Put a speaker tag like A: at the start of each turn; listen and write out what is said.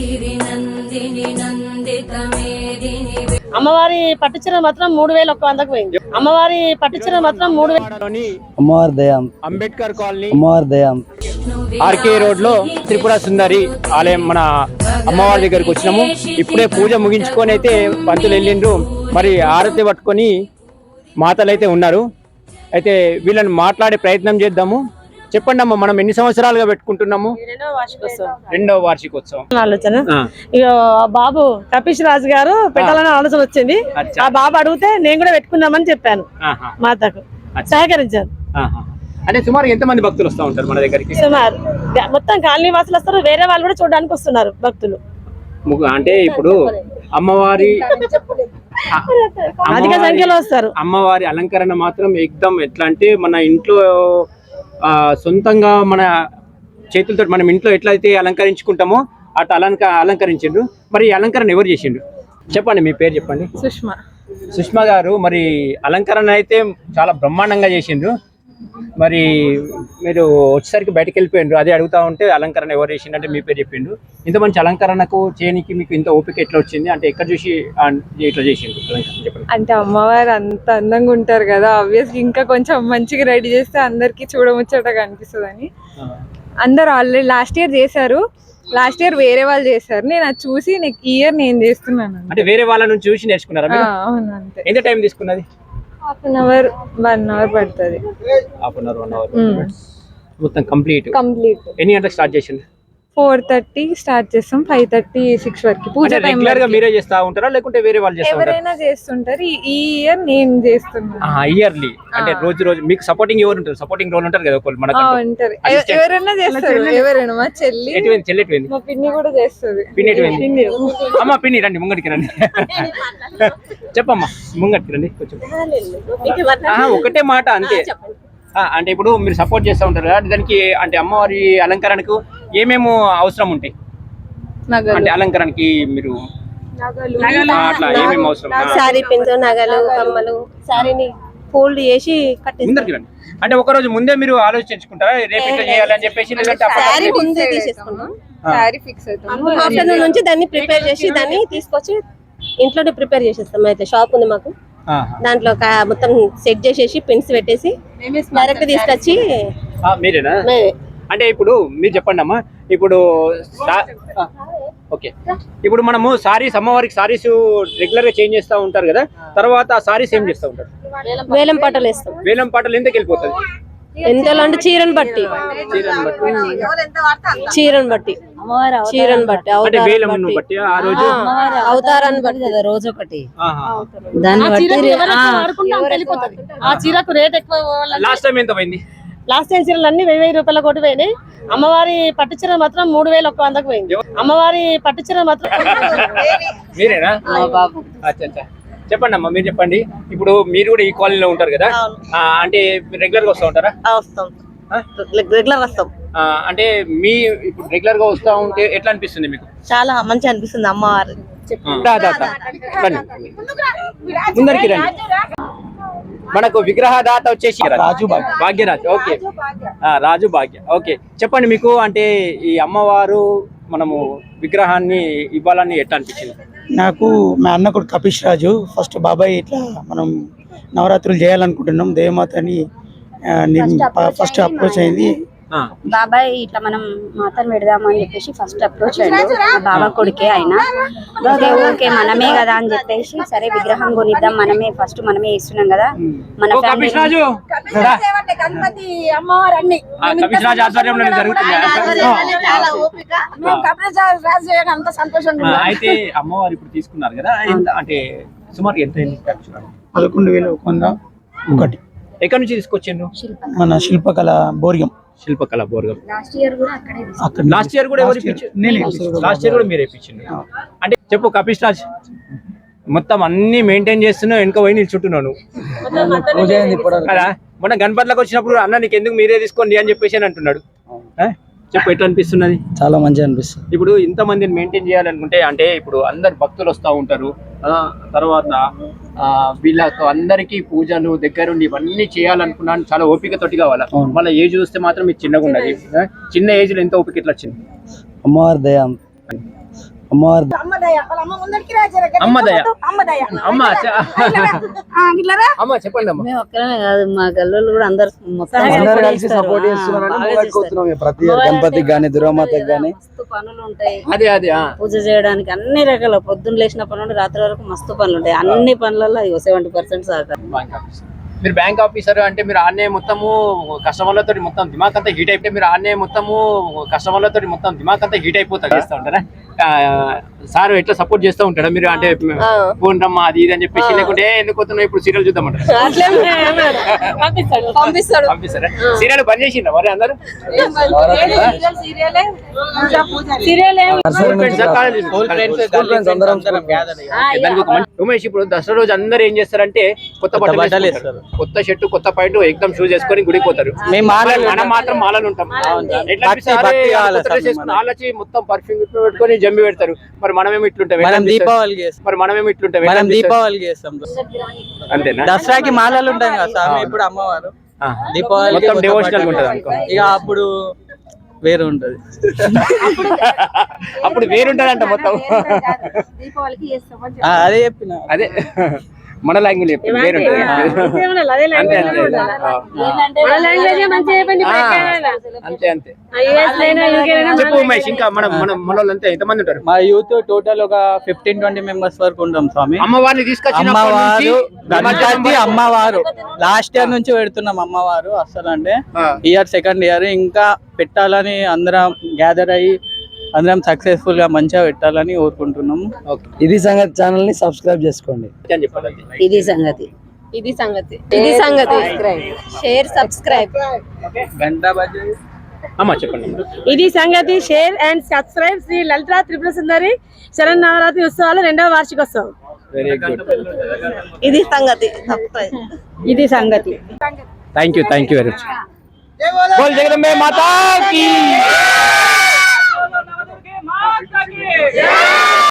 A: అమ్మవారి పట్టుచీర మాత్రం 3100కు పోయింది. అమ్మవారి పట్టుచీర మాత్రం 3000.
B: అమ్మవారి దయం
C: అంబేద్కర్ కాలనీ
B: అమ్మవారి దయం
C: ఆర్కే రోడ్ లో త్రిపుర సుందరి ఆలయం మన అమ్మవారి దగ్గరికి వచ్చినాము. ఇప్పుడే పూజ ముగించుకొని అయితే పంతులు వెళ్ళిండ్రు. మరి ఆరతి పట్టుకొని మాతలు అయితే ఉన్నారు. అయితే వీళ్ళని మాట్లాడే ప్రయత్నం చేద్దాము. చెప్పండి అమ్మ, మనం ఎన్ని సంవత్సరాలుగా పెట్టుకుంటున్నాము? రెండవ వార్షికోత్సవం
A: ఆలోచన. ఇక బాబు కపీష్ రాజు గారు పెట్టాలని ఆలోచన వచ్చింది. ఆ బాబు అడిగితే నేను కూడా పెట్టుకుందామని చెప్పాను. మాతకు సహకరించాను.
C: అంటే సుమారు ఎంత మంది భక్తులు వస్తూ ఉంటారు మన దగ్గరికి?
A: సుమారు మొత్తం కాలనీ వాసులు వస్తారు, వేరే వాళ్ళు కూడా చూడడానికి వస్తున్నారు భక్తులు.
C: అంటే ఇప్పుడు అమ్మవారి
A: అధిక సంఖ్యలో వస్తారు.
C: అమ్మవారి అలంకరణ మాత్రం ఎక్దం ఎట్లా అంటే మన ఇంట్లో సొంతంగా మన చేతులతో మనం ఇంట్లో ఎట్లయితే అలంకరించుకుంటామో అట్లా అలంకరించిండ్రు. మరి ఈ అలంకరణ ఎవరు చేసిండ్రు చెప్పండి, మీ పేరు చెప్పండి. సుష్మా గారు. మరి అలంకరణ అయితే చాలా బ్రహ్మాండంగా చేసిండ్రు. మరి మీరు వచ్చేసరికి బయటకు వెళ్ళిపోయిండ్రు, అదే అడుగుతా ఉంటే అలంకరణ ఎవరు చేసిండ్రు అంటే మీ పేరు చెప్పిండ్రు. ఇంత మంచి అలంకరణకు చేయనికి మీకు ఇంత ఓపిక ఎట్లా వచ్చింది? అంటే ఎక్కడ చూసి ఇట్లా చేసిండ్రు అలంకరణ చెప్పండి.
D: అంటే అమ్మవారు అంత అందంగా ఉంటారు కదా, ఆబ్వియస్లీ ఇంకా కొంచెం మంచిగా రెడీ చేస్తే అందరికి చూడముచ్చటగా అనిపిస్తుందని అందరు ఆల్రెడీ లాస్ట్ ఇయర్ చేశారు. లాస్ట్ ఇయర్ వేరే వాళ్ళు చేశారు, నేను అది చూసి ఈ ఇయర్ నేను చేస్తున్నాను.
C: అంటే వేరే వాళ్ళ నుంచి చూసి నేర్చుకున్నారా?
D: అవును. అంతే.
C: ఎంత టైం తీసుకున్నది?
D: ½ అవర్ 1 అవర్ పడుతుంది.
C: ½ అవర్ 1 అవర్ మొత్తం కంప్లీట్. ఎన్ని గంటలకు స్టార్ట్ చేసిండ్రు?
D: 4:30 స్టార్ట్ చేస్తాం, 5:30 6 వరకు పూజ టైం.
C: రెగ్యులర్ గా మీరే చేస్తా ఉంటారా లేకుంటే వేరే వాళ్ళు చేస్తా ఉంటారా?
D: ఎవరైనా చేస్తుంటారు. ఈ ఇయర్ నేను చేస్తున్నాను.
C: ఇయర్లీ అంటే రోజు మీకు సపోర్టింగ్ ఎవరు ఉంటారు? సపోర్టింగ్ రోల్ ఉంటారు కదా ఒకళ్ళు మనకు.
D: ఉంటారు, ఎవరైనా చేస్తారు. ఎవరైనా మా చెల్లి
C: చెల్లెట్వింది,
D: మా పిన్ని కూడా చేస్తుంది.
C: పిన్ని ఎటువైంది? అమ్మ పిన్ని రండి ముంగటికి రండి. చెప్పమ్మా ముంగటికి రండి కొంచెం. ఒకటే మాట అంతే. అంటే ఇప్పుడు మీరు సపోర్ట్ చేస్తూ ఉంటారు కదా, దానికి అంటే అమ్మవారి అలంకరణకు ఏమేమో అవసరం ఉంటాయి? అంటే అలంకరణకి మీరు అట్లా ఏమేమి అవసరం?
E: సారీ పిన్స్, నగలు, కమ్మలు, సారీని ఫోల్డ్ చేసి
C: ముందరికి రండి. అంటే ఒక రోజు ముందే మీరు ఆలోచించుకుంటారా రేపు ఇట్లా చేయాలని చెప్పేసి?
E: సారీ ముందే తీసేసుకున్నాం,
D: సారీ ఫిక్స్ అవుతాం.
E: ఆఫ్టర్నూన్ నుంచి దాన్ని ప్రిపేర్ చేసి దాన్ని తీసుకొచ్చి ఇంట్లోనే ప్రిపేర్ చేసేస్తాం. అయితే షాప్ ఉంది మాకు, దాంట్లో మొత్తం సెట్ చేసేసి పిన్స్ పెట్టేసి డైరెక్ట్ తీసుకొచ్చి.
C: మీరేనా? అంటే ఇప్పుడు మీరు చెప్పండి అమ్మా. ఇప్పుడు ఓకే, ఇప్పుడు మనము సారీస్ అమ్మవారికి సారీస్ రెగ్యులర్ గా చేంజ్ చేస్తూ ఉంటారు కదా, తర్వాత ఆ సారీస్ ఏం చేస్తూ ఉంటారు?
E: వేలం పాటలు వేస్తాం.
C: వేలం పాటలు ఎంతకి వెళ్ళిపోతుంది?
E: ఎంతలో అంటే చీరను బట్టి
C: అంటే వేలం బట్టి ఆ రోజు
E: అవతారాన్ని బట్టి కదా, రోజు ఒకటి
A: దాన్ని బట్టి ఆ చీరకు రేట్ ఎక్కువ.
C: లాస్ట్ టైం ఎంత పోయింది?
A: లాస్ట్ టైం చీరలు అన్ని 1000 రూపాయల కోటి పోయినాయి. అమ్మవారి పట్టుచీర మాత్రం 3100కు పోయింది. అమ్మవారి పట్టుచీర మాత్రం.
C: మీరేనా? చెప్పండి అమ్మా, మీరు చెప్పండి. ఇప్పుడు మీరు కూడా ఈ కాలనీలో ఉంటారు కదా, అంటే రెగ్యులర్ గా వస్తూ ఉంటారా?
E: రెగ్యులర్ వస్తాం.
C: అంటే మీ ఇప్పుడు రెగ్యులర్ గా వస్తా ఉంటే ఎట్లా అనిపిస్తుంది మీకు?
E: చాలా మంచిగా అనిపిస్తుంది. అమ్మవారు
C: ముందరికి రండి. మనకు విగ్రహదాత వచ్చేసి రాజు భాగ్యరాజ్. ఓకే, రాజు భాగ్య. ఓకే, చెప్పండి మీకు అంటే ఈ అమ్మవారు మనము విగ్రహాన్ని ఇవ్వాలని ఎట్లా అనిపించింది?
B: నాకు మా అన్న కొడుకు కపీష్ రాజు ఫస్ట్ బాబాయ్ ఇట్లా మనం నవరాత్రులు చేయాలనుకుంటున్నాం, దేవమాతని ఫస్ట్ అప్రోచ్ అయింది.
F: బాబాయ్ ఇట్లా మనం మాతను పెడదామని చెప్పేసి ఫస్ట్ అప్రోచ్ అయ్యాడు. బాబా కొడుకే అయినా ఓకే మనమే కదా అని చెప్పేసి సరే విగ్రహం కొనిద్దాం, మనమే ఇస్తున్నాం కదా మన
C: అయితే అమ్మవారు ఇప్పుడు తీసుకున్నారు కదా, అంటే సుమారు ఎంత?
B: 11,101.
C: ఎక్కడి నుంచి తీసుకొచ్చిండు?
B: మన శిల్పకళ బోర్గం.
F: లాస్ట్ ఇయర్ కూడా
C: లాస్ట్ ఇయర్ కూడా మీరే ఇప్పించింది. అంటే చెప్పు కపీష్ రాజ్, మొత్తం అన్ని మెయింటైన్ చేస్తున్నావు, వెనుక పోయి నిల్చుంటున్నాను కదా. మొన్న గణపతిలోకి వచ్చినప్పుడు అన్న నీకు ఎందుకు మీరే తీసుకోండి అని చెప్పేసి అని అంటున్నాడు. చెప్పు ఎట్లా అనిపిస్తున్నది?
B: చాలా మంచిగా అనిపిస్తుంది.
C: ఇప్పుడు ఇంత మందిని మెయింటైన్ చేయాలనుకుంటే అంటే ఇప్పుడు అందరు భక్తులు వస్తూ ఉంటారు, తర్వాత వీళ్ళకు అందరికీ పూజలు దగ్గరుండి ఇవన్నీ చేయాలనుకున్నాను, చాలా ఓపిక తోటి కావాలా. మళ్ళీ ఏజ్ చూస్తే మాత్రం మీకు చిన్నగా ఉన్నది. చిన్న ఏజ్ లో ఎంత ఓపిక ఎట్లా వచ్చింది?
B: అమ్మవారి దయం
C: అమ్మ దయ అమ్మ అమ్మ చెప్పండి అమ్మ.
G: మేము ఒక్కరమే కాదు మా గల్లోళ్ళు కూడా అందరు మొత్తం
H: అందరూ కలిసి సపోర్ట్ చేస్తున్నారంటే ప్రతి గణపతికి గానీ దుర్గామాతకి గానీ
G: మస్తు పనులు ఉంటాయి.
C: అదే అదే
G: పూజ చేయడానికి అన్ని రకాల పొద్దున్న లేచినప్పటి నుండి రాత్రి వరకు మస్తు పనులు ఉంటాయి. అన్ని పనులలో 70% సహకారం.
C: మీరు బ్యాంక్ ఆఫీసర్ అంటే మీరు ఆన్నే మొత్తము కస్టమర్లతో మొత్తం దిమాగ్ అంతా హీట్ అయిపోయి మీరు ఆన్నే మొత్తము కస్టమర్లతో మొత్తం దిమాగ్ అంతా హీట్ అయిపోతా చేస్తూ ఉంటారా? సార్ ఎట్లా సపోర్ట్ చేస్తూ ఉంటాడా మీరు? అంటే ఫోన్ రమ్మా అది ఇది అని చెప్పేసి, లేకుంటే ఎందుకు పోతున్నావు ఇప్పుడు సీరియల్ చూద్దామంటారు? పంపిస్తారా? సీరియల్ బంద్ చేసిండ్రా మరి అందరూ? ఉమేష్, ఇప్పుడు దసరా రోజు అందరూ ఏం చేస్తారంటే కొత్త బట్టలు వేస్తారు, కొత్త షర్టు కొత్త పాయింట్ ఎగ్దమ్ షూస్ వేసుకొని గుడికి పోతారు. మనం మాత్రం మాలలు ఉంటాం. వాళ్ళకి మొత్తం పర్ఫ్యూమ్ పెట్టుకొని జంబి పెడతారు. మరి మనమేమి ఇట్లుంటాం?
H: దీపావళికి చేస్తాం.
C: అంతేనా?
H: దసరాకి మాలలు ఉంటాయి కదా సార్, ఇప్పుడు అమ్మవారు దీపావళి
C: మొత్తం డివోషనల్ ఉంటుంది అనుకో.
H: ఇక అప్పుడు వేరు ఉంటది.
C: అప్పుడు వేరుంటది అంట మొత్తం.
H: అదే చెప్పిన,
C: అదే మన లాంగ్వేజ్ చెప్పి వేరుంటది. అంతే అంతే అంతే. చెప్పు ఉమేష్, ఇంకా మనం మన వాళ్ళంతా ఎంతమంది ఉంటారు?
H: మా యూత్ టోటల్ ఒక 15-20 మెంబర్స్ వరకు ఉంటాం స్వామి.
C: అమ్మవారిని తీసుకొచ్చి
H: అమ్మవారు గణపతి అమ్మవారు లాస్ట్ ఇయర్ నుంచి పెడుతున్నాం. అమ్మవారు అసలు అంటే ఇయర్ సెకండ్ ఇయర్ ఇంకా పెట్టాలని అందరం గ్యాదర్ అయ్యి అందరం సక్సెస్ఫుల్ గా మంచిగా పెట్టాలని కోరుకుంటున్నాము.
B: ఇది సంగతి ఛానల్ ని సబ్స్క్రైబ్ చేసుకోండి.
G: ఇది సంగతి.
E: Share subscribe.
C: అమ్మా చెప్పండి.
A: ఇది సంగతి, share and subscribe. Shri Lalita Tripura Sundari Sharan Navaratri ఉత్సవాలు 2వ వార్షికోత్సవం.
C: Very good.
E: ఇది సంగతి.
A: ఇది సంగతి.
C: Thank you very much. బోల్ జగదంబే మాతా కీ.